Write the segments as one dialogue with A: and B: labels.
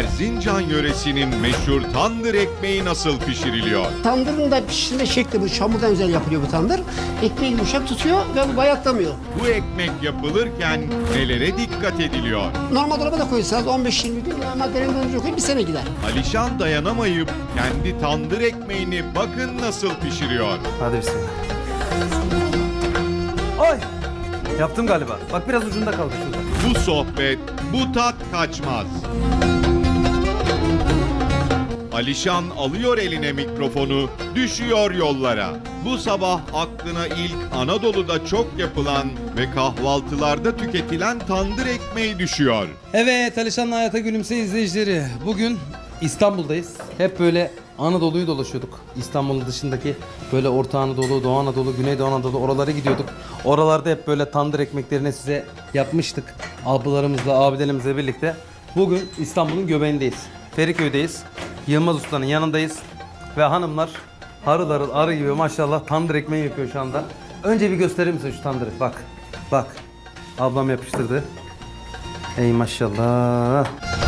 A: Erzincan yöresinin meşhur tandır ekmeği nasıl pişiriliyor?
B: Tandırın da pişirme şekli bu. Çamurdan özel yapılıyor bu tandır. Ekmeği yumuşak tutuyor ve bu bayatlamıyor.
A: Bu ekmek yapılırken nelere dikkat ediliyor?
B: Normal dolaba da koysanız 15-20 gün ama derin dondurucuya koyup bir sene gider.
A: Alişan dayanamayıp kendi tandır ekmeğini bakın nasıl pişiriyor.
C: Hadi bismillah. Ay! Yaptım galiba. Bak biraz ucunda kaldı şurada.
A: Bu sohbet, bu tat kaçmaz. Alişan alıyor eline mikrofonu, düşüyor yollara. Bu sabah aklına ilk Anadolu'da çok yapılan ve kahvaltılarda tüketilen tandır ekmeği düşüyor.
C: Evet, Alişan'la Hayata Gülümse izleyicileri. Bugün İstanbul'dayız. Hep böyle Anadolu'yu dolaşıyorduk. İstanbul'un dışındaki böyle Orta Anadolu, Doğu Anadolu, Güneydoğu Anadolu oralara gidiyorduk. Oralarda hep böyle tandır ekmeklerini size yapmıştık. Ablalarımızla, abilerimizle birlikte. Bugün İstanbul'un göbeğindeyiz. Feriköy'deyiz. Yılmaz Usta'nın yanındayız. Ve hanımlar harıl harıl arı gibi maşallah tandır ekmeği yapıyor şu anda. Önce bir gösterir misin şu tandırı? Bak, bak. Ablam yapıştırdı. Ey maşallah.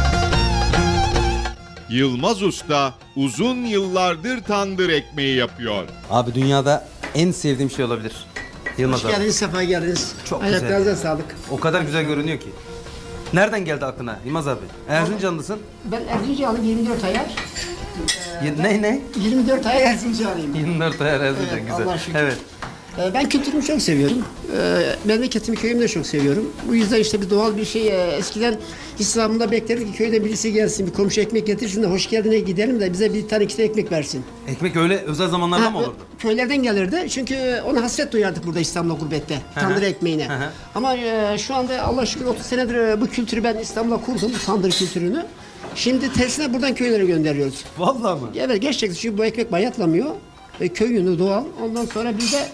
A: Yılmaz Usta uzun yıllardır tandır ekmeği yapıyor.
C: Abi dünyada en sevdiğim şey olabilir. Yılmaz
B: Hoş
C: abi.
B: geldiniz, sefa geldiniz.
C: Çok güzel.
B: Ayaklarınıza sağlık.
C: O kadar güzel görünüyor ki. Nereden geldi aklına Yılmaz abi? Erzincanlısın.
B: Ben Erzincanlıyım, 24 ayar.
C: Ne?
B: 24 ayar Erzincanlıyım.
C: 24 ayar Erzincan,
B: Evet,
C: güzel.
B: Allah'a şükür.
C: Evet.
B: Ben kültürümü çok seviyorum. Memleketimi, köyümü de çok seviyorum. Bu yüzden işte bir doğal bir şey. Eskiden İslam'da beklerdik ki köyden birisi gelsin, bir komşu ekmek getir, şunu hoş geldine gidelim de bize bir tane iki tane ekmek versin.
C: Ekmek öyle özel zamanlarda mı olurdu?
B: Köylerden gelirdi. Çünkü ona hasret duyardık burada İstanbul'da gurbette. Tandır ekmeğine.
C: Hı.
B: Ama şu anda Allah'a şükür 30 senedir bu kültürü ben İstanbul'da kurdum. Bu tandır kültürünü. Şimdi tersine buradan köylere gönderiyoruz.
C: Vallahi mı?
B: Evet, gerçekten çünkü bu ekmek bayatlamıyor. Köy yünü doğal. Ondan sonra bir de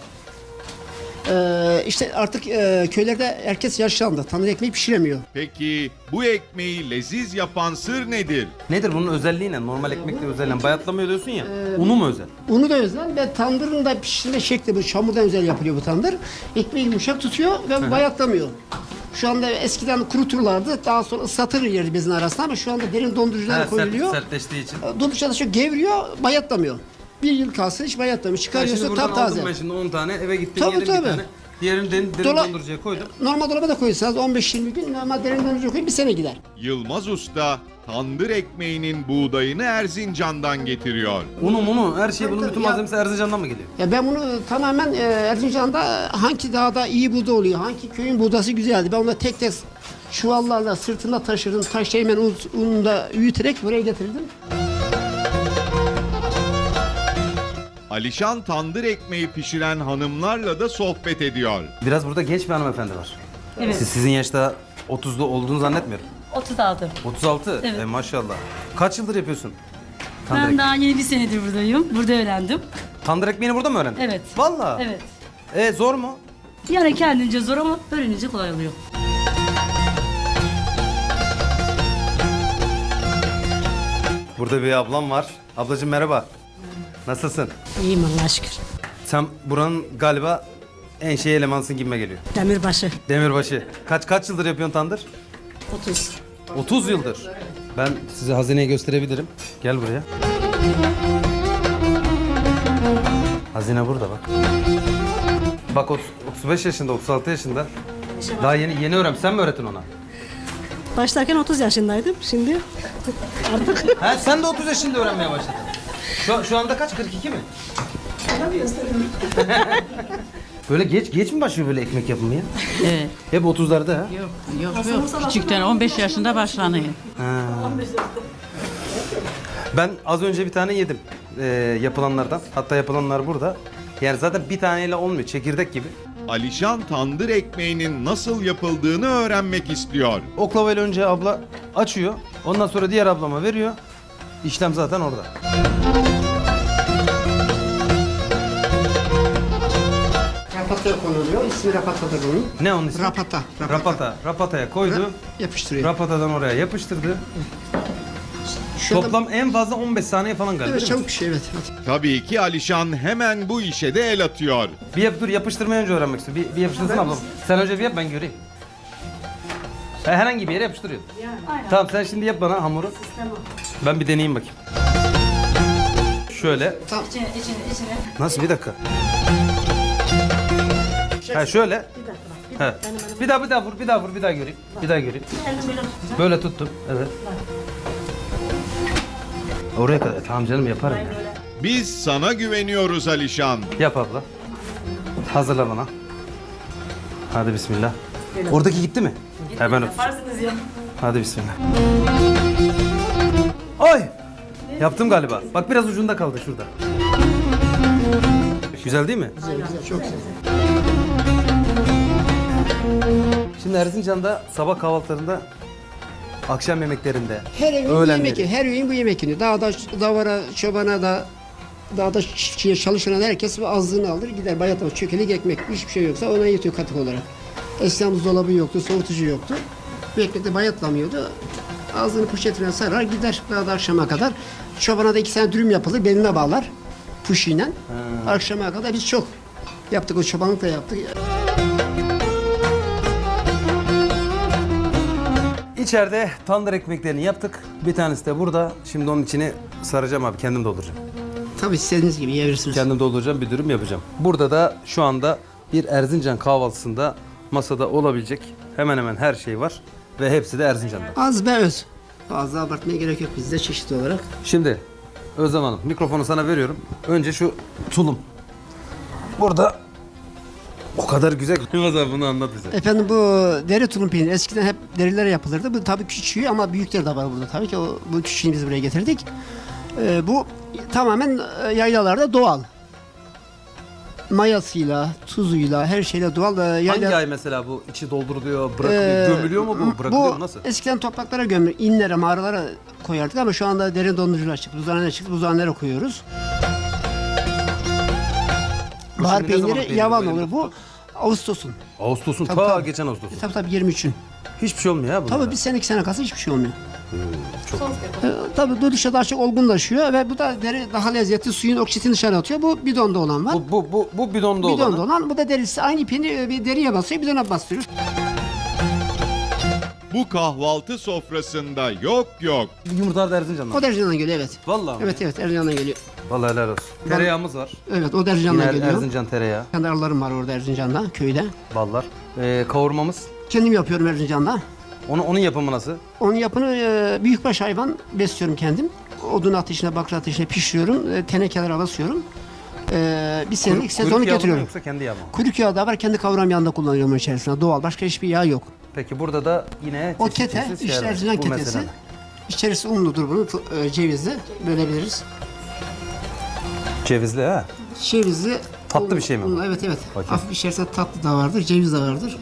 B: işte artık köylerde herkes yaşlandı. Tandır ekmeği pişiremiyor.
A: Peki bu ekmeği leziz yapan sır nedir?
C: Nedir bunun özelliği ne? Normal ekmekle özelliği. Bayatlamıyor diyorsun ya. Unu mu özel?
B: Unu da özel ve tandırın da pişirme şekli bu. Çamurdan özel yapılıyor bu tandır. Ekmeği yumuşak tutuyor ve bu bayatlamıyor. Şu anda eskiden kuruturlardı. Daha sonra ıslatır yeri bezin arasında ama şu anda derin donduruculara koyuluyor.
C: Sertleştiği için.
B: Dondurucuda çok gevriyor, bayatlamıyor. Bir yıl kalsın hiç bayatlamıyor.
C: Şimdi
B: Çıkarıyorsun
C: buradan
B: taptaze.
C: aldım ben şimdi 10 tane eve gittim
B: Tabii,
C: yedim
B: tabii.
C: bir tane. Diğerini derin dondurucuya koydum.
B: Normal dolaba da koysanız 15-20 gün ama derin dondurucuya koyup bir sene gider.
A: Yılmaz Usta tandır ekmeğinin buğdayını Erzincan'dan getiriyor.
C: Unu her şey bunun
B: Tabii,
C: bütün
B: ya.
C: malzemesi Erzincan'dan mı geliyor?
B: Ya ben bunu tamamen Erzincan'da hangi dağda iyi buğday oluyor, hangi köyün buğdası güzeldi. Ben onu tek tek çuvallarla sırtında taşırdım. Taşlayı ununu da üyüterek buraya getirdim.
A: Alişan tandır ekmeği pişiren hanımlarla da sohbet ediyor.
C: Biraz burada genç bir hanımefendi var.
D: Evet.
C: Sizin yaşta 30'da olduğunu zannetmiyorum.
D: 36.
C: 36?
D: Evet.
C: Maşallah. Kaç yıldır yapıyorsun? Tandır,
D: Ben daha yeni bir senedir buradayım. Burada öğrendim.
C: Tandır ekmeğini burada mı öğrendin?
D: Evet.
C: Vallahi.
D: Evet.
C: Zor mu?
D: Yani kendince zor ama öğrenince kolay oluyor.
C: Burada bir ablam var. Ablacığım merhaba. Nasılsın?
E: İyiyim Allah'a şükür.
C: Sen buranın galiba en şey elemansın gibime geliyor.
E: Demirbaşı.
C: Demirbaşı. Kaç yıldır yapıyorsun tandır?
E: 30.
C: 30 yıldır. Ben size hazineyi gösterebilirim. Gel buraya. Hazine burada bak. Bak 35 yaşında, 36 yaşında. Daha yeni öğren. Sen mi öğretin ona?
E: Başlarken 30 yaşındaydım. Şimdi artık
C: Ha, sen de 30 yaşında öğrenmeye başladın. Şu anda kaç? 42 mi? Böyle geç mi başlıyor böyle ekmek yapımı ya?
F: Evet.
C: Hep 30'larda ha?
F: Yok. Küçükten 15 yaşında başlanıyor.
C: Ben az önce bir tane yedim yapılanlardan. Hatta yapılanlar burada. Yani zaten bir taneyle olmuyor. Çekirdek gibi.
A: Alişan tandır ekmeğinin nasıl yapıldığını öğrenmek istiyor.
C: Oklavayla önce abla açıyor. Ondan sonra diğer ablama veriyor. İşlem zaten orada.
B: Rapataya konuluyor. İsmi rapatadır bunun.
C: Ne onun ismi?
B: Rapata.
C: Rapataya koydu.
B: Yapıştırıyor.
C: Rapatadan oraya yapıştırdı.
B: Şu anda-
C: Toplam en fazla 15 saniye falan galiba
B: Evet,
C: değil mi?
B: çabuk bir şey, evet.
A: Tabii ki Alişan hemen bu işe de el atıyor.
C: Dur yapıştırmayı önce öğrenmek istiyorum. Bir yapıştırsın ablam. Sen önce bir yap ben göreyim. Herhangi bir yere yapıştırıyordun. Tamam sen şimdi yap bana hamuru. Ben bir deneyeyim bakayım. Şöyle.
D: İçine.
C: Nasıl bir dakika? Ha şöyle. Ha. Bir daha vur, bir daha göreyim. Bir daha göreyim. Böyle tuttum. Evet. Oraya kadar. Tamam canım yaparım ya.
A: Biz sana güveniyoruz Alişan.
C: Yap abla. Hazırla bana. Hadi bismillah. Oradaki gitti mi? Hemen öp. Hadi bismillah. Ay! Yaptım galiba. Bak biraz ucunda kaldı şurada. Güzel değil mi?
B: Çok güzel.
C: Şimdi Erzincan'da sabah kahvaltılarında, akşam yemeklerinde,
B: Her evin bu
C: öğlenleri.
B: yemek yiyor. Her evin bu yemek yiyor. Dağda, davara, çobana da, dağda çiftçiye çalışan herkes bu azlığını alır gider. Bayatlama, çökelik ekmek, hiçbir şey yoksa ona yetiyor katık olarak. Eskiden buzdolabı yoktu, soğutucu yoktu. Bu ekmek de bayatlamıyordu. Ağzını poşetine sarar gider dağda akşama kadar. Çobana da 2 tane dürüm yapılır, beline bağlar. Puşiyle. Akşama kadar biz çok yaptık, o çobanlık da yaptık.
C: İçeride tandır ekmeklerini yaptık. Bir tanesi de burada. Şimdi onun içini saracağım abi. Kendim dolduracağım.
B: Tabii istediğiniz gibi yiyebilirsiniz.
C: Kendim dolduracağım. Bir dürüm yapacağım. Burada da şu anda bir Erzincan kahvaltısında masada olabilecek hemen hemen her şey var. Ve hepsi de Erzincan'da.
B: Az be öz. Fazla abartmaya gerek yok bizde çeşitli olarak.
C: Şimdi Özlem Hanım mikrofonu sana veriyorum. Önce şu tulum. Burada o kadar güzel. Yılmaz abi bunu anlat bize.
B: Efendim bu deri tulum peyniri eskiden hep derilere yapılırdı. Bu tabii küçüğü ama büyükleri de var burada tabii ki. Bu küçüğünü biz buraya getirdik. Bu tamamen yaylalarda doğal. Mayasıyla, tuzuyla, her şeyle doğal.
C: Hangi ay mesela bu içi dolduruluyor, bırakılıyor, gömülüyor mu bu? Bırakılıyor mu? Nasıl?
B: Eskiden topraklara gömülür, inlere, mağaralara koyardık ama şu anda derin dondurucular çıktı. Buzhanelere çıktı, buzhanelere koyuyoruz.
C: Bu
B: Bahar
C: şimdi ne zaman
B: peyniri
C: peyniri
B: yavan
C: bu
B: olur.
C: elimde
B: Bu
C: tuttuk?
B: Ağustos'un.
C: Ağustos'un
B: Tabii,
C: ta
B: tabii.
C: geçen Ağustos'un.
B: Tabii 23'ün.
C: Hiçbir şey olmuyor ya bunlara.
B: Tabii bir sene 2 sene kalsa hiçbir şey olmuyor.
C: Çok.
B: Tabii dönüşte daha çok olgunlaşıyor ve bu da deri daha lezzetli, suyun oksitini dışarı atıyor. Bu bidonda olan var.
C: Bu bidonda olan.
B: Bidonda olan. Bu da derisi aynı ipini bir deriye basıyor, bidona bastırıyor.
A: Bu kahvaltı sofrasında yok.
C: Yumurtalar da Erzincan'dan.
B: O Erzincan'dan geliyor evet.
C: Vallahi mi?
B: Evet Erzincan'dan geliyor.
C: Vallahi helal olsun. Tereyağımız var.
B: Evet o Erzincan'dan
C: Yine
B: geliyor.
C: Erzincan tereyağı,
B: Kendi arılarım var orada Erzincan'da, köyde.
C: ballar. Kavurmamız.
B: Kendim yapıyorum Erzincan'da.
C: Onun yapımı nasıl?
B: Onun yapını büyükbaş hayvan besliyorum kendim. Odun ateşine, bakır ateşine pişiriyorum. Tenekelere basıyorum. Bir senelik sezonu
C: Kuyruk yağı mı
B: getiriyorum.
C: yoksa kendi yağı mı?
B: Kuyruk yağı da var, kendi kavram yağında kullanıyorum içerisinde. Doğal, başka hiçbir yağ yok.
C: Peki burada da yine
B: O
C: çeşit
B: kete,
C: çeşit
B: işte
C: şeyler var.
B: Erzincan
C: Bu
B: ketesi.
C: mesela.
B: İçerisi unludur bunun, cevizli. Bölebiliriz.
C: Cevizli ha.
B: Cevizli.
C: Tatlı bir şey mi bu?
B: Unlu, evet.
C: Bakayım.
B: Hafif içerisinde tatlı da vardır, ceviz de vardır.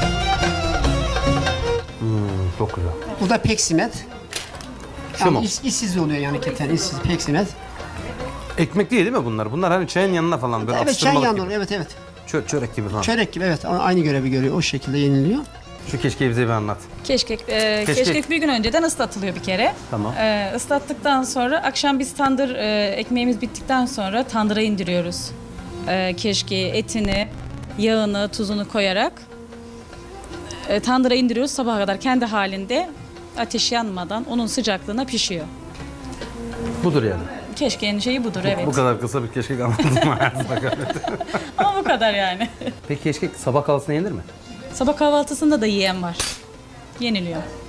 C: Çok güzel.
B: Bu da peksimet.
C: Şu mu?
B: Yani işsiz oluyor yani keten, işsiz peksimet.
C: Ekmek değil mi bunlar? Bunlar hani çayın yanına falan böyle
B: Evet, çay
C: atıştırmalık
B: yanıyor,
C: gibi.
B: evet.
C: Çörek gibi falan.
B: Çörek gibi, evet. Aynı görevi görüyor, o şekilde yeniliyor.
C: Şu keşkeyi bize bir anlat.
G: Keşkek bir gün önceden ıslatılıyor bir kere.
C: Tamam.
G: Islattıktan sonra akşam biz tandır ekmeğimiz bittikten sonra tandıra indiriyoruz. Keşkeği, etini, yağını, tuzunu koyarak tandıra indiriyoruz sabaha kadar kendi halinde ateş yanmadan onun sıcaklığına pişiyor.
C: Budur yani.
G: Keşkeğin şeyi budur evet.
C: Bu kadar kısa bir keşkek anlattım hayatımda galiba.
G: Ama bu kadar yani.
C: Peki keşkek sabah kahvaltısına yenir mi?
G: Sabah kahvaltısında da yiyen var. Yeniliyor.